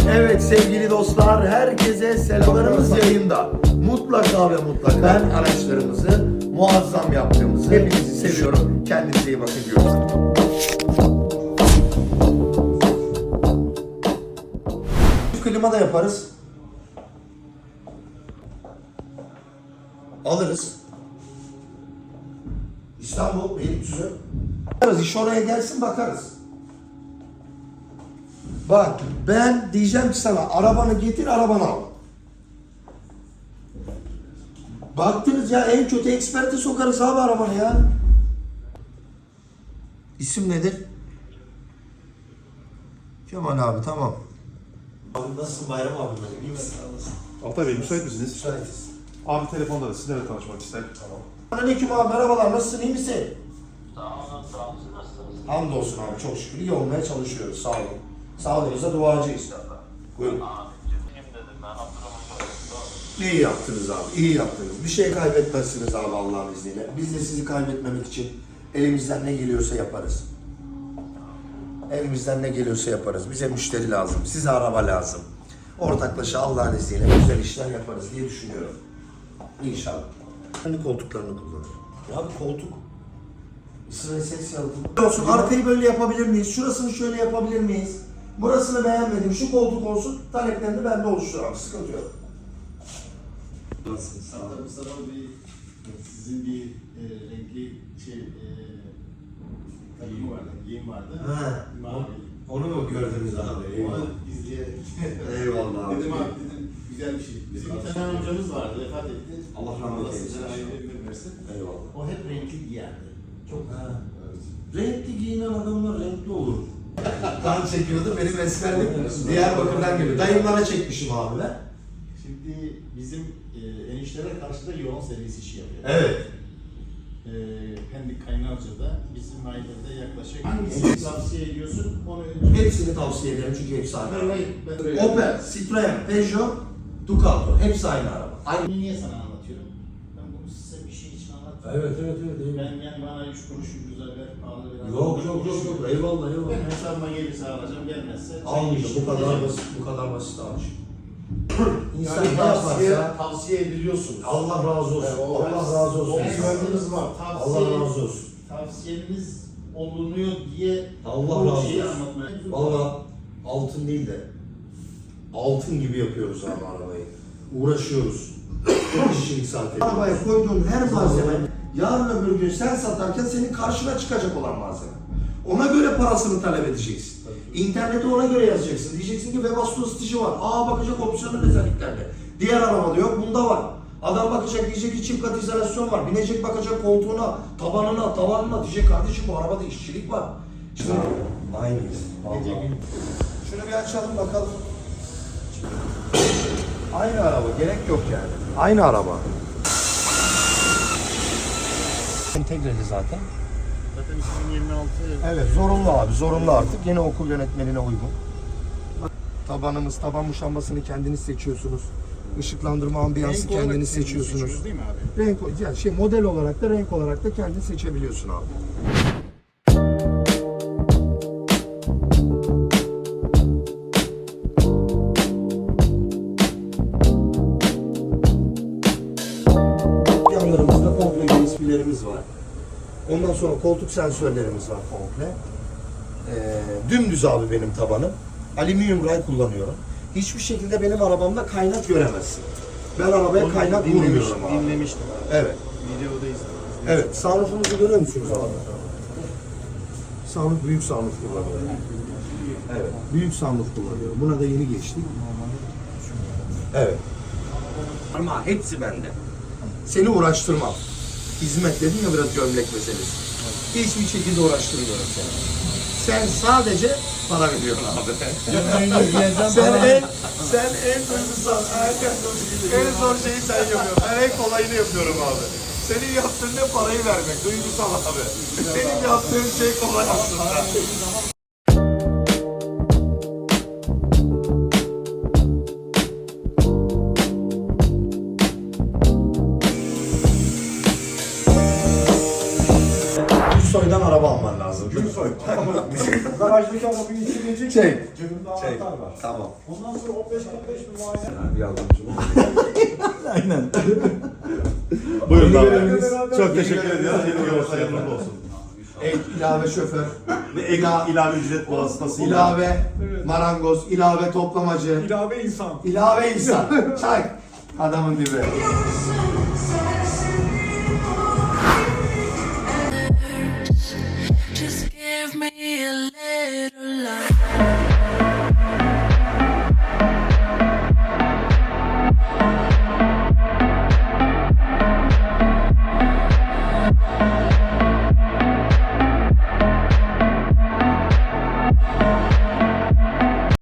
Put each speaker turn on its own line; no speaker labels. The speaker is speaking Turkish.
Evet sevgili dostlar, herkese selamlarımız yayında. Mutlaka ve mutlaka araçlarımızı muazzam yaptığımızı, hepinizi seviyorum. Kendinize iyi bakın diyoruz. Klima da yaparız. Alırız. İstanbul, Beylikdüzü. Bakarız, iş oraya gelsin bakarız. Bak ben diyeceğim ki sana arabanı getir, arabanı al. Baktınız ya en kötü eksperte sokarız abi arabanı ya. İsim nedir? Kemal abi, tamam. Abi nasılsın Bayram abi, böyle iyi misin?
Altay Bey müsait misiniz?
Müsaitiz.
Abi telefonda da sizlerle tanışmak ister.
Tamam. Aleyküm abi, merhabalar, nasılsın, iyi misin?
Sağ olun, sağ olun. Nasılsınız?
Hamdolsun abi, çok şükür iyi olmaya çalışıyoruz, sağ olun. Sağlığınıza duacıyız. Buyurun.
Kim dedim ben, Abdurrahman Doğru.
İyi yaptınız abi, iyi yaptınız. Bir şey kaybetmezsiniz abi Allah'ın izniyle. Biz de sizi kaybetmemek için elimizden ne geliyorsa yaparız. Elimizden ne geliyorsa yaparız. Bize müşteri lazım, size araba lazım. Ortaklaşa Allah'ın izniyle güzel işler yaparız diye düşünüyorum. İnşallah. Kendi koltuklarını kullanır. Ya bir koltuk. Sırayı ses yalıtım. Olsun, arkayı böyle yapabilir miyiz? Şurasını şöyle yapabilir miyiz? Burasını beğenmedim, şu koltuk olsun. Taleplerini bende oluşturamam, sıkıntı yok.
Nasılsınız? Sağ olun. Mustafa Bey, sizin bir renkli takımı vardı, giyim vardı.
Ha.
Mavi.
Onu mu gördünüz abi?
Onu izleyerek.
Eyvallah abi.
Dedim abi, dedim güzel bir şey. Bizim bir tane amcamız vardı, vefat etti.
Allah rahmet eylesin.
Sizden ayrı ömür versin.
Eyvallah.
O hep renkli giyerdi. Çok
Ha.
evet.
Renkli giyinen adamlar renkli olur. Kan çekiyordu, benim esmerlik Diyarbakır'dan geliyor. Dayımlara çekmişim abi ben.
Şimdi bizim enişlere karşı da yoğun servis işi yapıyor.
Evet.
Pendik Kaynarca'da bizim ailede yaklaşık hangisini tavsiye ediyorsun? Onu
Hepsini tavsiye ederim çünkü hepsi aynı araba.
ben
Opel, Citroen, Peugeot, Ducato. Hepsi aynı araba. Aynı.
Bunu niye sana anlatıyorum? Ben bunu size bir şey için anlatmıyorum.
Evet.
Ben yani bana 3 kuruş güzel ver, pahalı biraz.
Yok. Eyvallah.
Ben hesabıma gelirse alacağım, gelmezse...
Almayacağım. Bu kadar basit. Bu kadar basit abi. İnsan
Yani
ne yaparsa
tavsiye ediliyorsunuz.
Allah razı olsun. Allah razı olsun.
Güvenliğiniz var.
Allah razı olsun.
Tavsiyeniz olunuyor diye
Allah
bu
razı
şeyi
olsun.
anlatmaya...
Valla altın değil de altın gibi yapıyoruz abi arabayı. Uğraşıyoruz. Çok işçilik sarf ediyoruz. Arabaya koyduğun her malzeme yarın öbür gün sen satarken senin karşına çıkacak olan malzeme. Ona göre parasını talep edeceksin. İnternete ona göre yazacaksın. Diyeceksin ki Webasto stic'i var. Bakacak opsiyonel özelliklerde. Diğer arabada yok, bunda var. Adam bakacak, diyecek ki çift kat izolasyon var. Binecek, bakacak koltuğuna, tabanına, tavanına. Diyecek kardeşim bu arabada işçilik var. İşte aynıyız. Vallahi. Şunu bir açalım bakalım. Aynı araba, gerek yok yani. Aynı araba. Entegreli zaten.
Zaten 2026...
Evet, zorunlu abi, zorunlu artık. Yeni okul yönetmeliğine uygun. Tabanımız, taban muşambasını kendiniz seçiyorsunuz. Işıklandırma ambiyansı kendiniz seçiyorsunuz.
Değil mi abi?
Renk, yani model olarak da renk olarak da kendin seçebiliyorsun abi. Yanlarımızda komple USB'lerimiz var. Ondan sonra koltuk sensörlerimiz var komple. Dümdüz abi benim tabanım. Alüminyum ray kullanıyorum. Hiçbir şekilde benim arabamda kaynak göremezsin. Ben arabaya kaynak vurmuyorum abi.
Dinlemiştim.
Evet.
Videoda izledim.
Evet. Sunroof'umuzu görüyor musunuz abi? Sunroof, büyük sunroof kullanıyorum. Evet. Büyük sunroof kullanıyorum. Buna da yeni geçtik. Evet. Ama hepsi bende. Seni uğraştırmam. Hizmet dedim ya, biraz gömlek meselesi. Hiçbir şekilde uğraştırmıyorum seni. Sen sadece para veriyorsun abi. sen en duygusal, en zor şeyi sen yapıyorsun. Ben en kolayını yapıyorum abi. Senin yaptığın ne parayı vermek, duygusal abi. Benim yaptığım şey kolay aslında. Gümrüksoy'dan araba alman lazım.
Gümrüksoy. Garajdaki arabayı içirecek.
Çek.
Cebimde
Çek.
anahtar var.
Tamam.
Ondan sonra 15-45 bir muayene.
Yardımcı ol. Aynen.
Buyurun abi.
Beraber-
Çok teşekkür ediyoruz. Yeni görüşler hayırlı olsun.
Ek, ilave şoför,
Ve ilave ücret vasıtasıyla.
ilave marangoz, ilave toplamacı,
İlave insan.
ilave insan. Çak. Adamın dibi.